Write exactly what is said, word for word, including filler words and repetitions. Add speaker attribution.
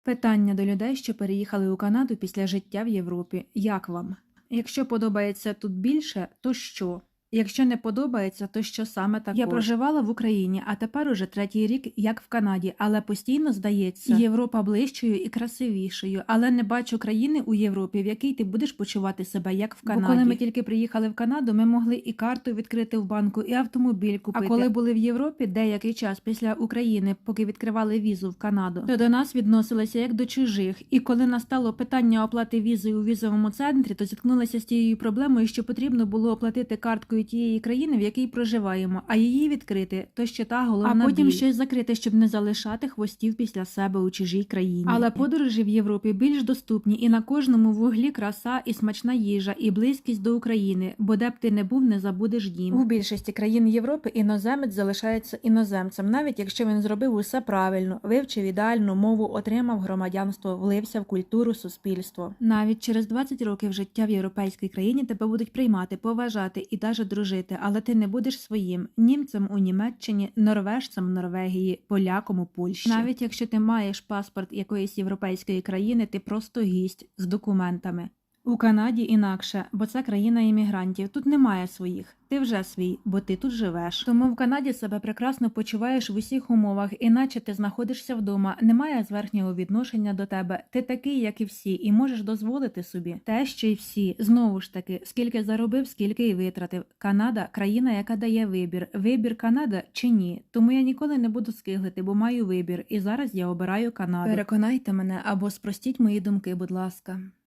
Speaker 1: Питання до людей, що переїхали у Канаду після життя в Європі. Як вам? Якщо подобається тут більше, то що? Якщо не подобається, то що саме також? Я проживала в Україні, а тепер уже третій рік, як в Канаді, але постійно здається, Європа ближчою і красивішою, але не бачу країни у Європі, в якій ти будеш почувати себе, як в Канаді. Бо коли ми тільки приїхали в Канаду, ми могли і карту відкрити в банку, і автомобіль купити. А коли були в Європі деякий час після України, поки відкривали візу в Канаду, то до нас відносилися як до чужих. І коли настало питання оплати візи у візовому центрі, то зіткнулися з тією проблемою, що потрібно було оплатити карткою тієї країни, в якій проживаємо, а її відкрити, то ще та головна А потім біль. щось закрити, щоб не залишати хвостів після себе у чужій країні. Але подорожі в Європі більш доступні, і на кожному вуглі краса і смачна їжа, і близькість до України, бо де б ти не був, не забудеш дім. У більшості країн Європи іноземець залишається іноземцем, навіть якщо він зробив усе правильно, вивчив ідеальну мову, отримав громадянство, влився в культуру, суспільство. Навіть через двадцять років життя в європейській країні тебе будуть приймати, поважати і навіть дружити, але ти не будеш своїм німцем у Німеччині, норвежцем в Норвегії, поляком у Польщі. Навіть якщо ти маєш паспорт якоїсь європейської країни, ти просто гість з документами. У Канаді інакше, бо це країна іммігрантів. Тут немає своїх. Ти вже свій, бо ти тут живеш. Тому в Канаді себе прекрасно почуваєш в усіх умовах, іначе ти знаходишся вдома, немає зверхнього відношення до тебе. Ти такий, як і всі, і можеш дозволити собі те, що й всі. Знову ж таки, скільки заробив, скільки й витратив. Канада – країна, яка дає вибір. Вибір Канада чи ні? Тому я ніколи не буду скиглити, бо маю вибір. І зараз я обираю Канаду. Переконайте мене або спростіть мої думки, будь ласка.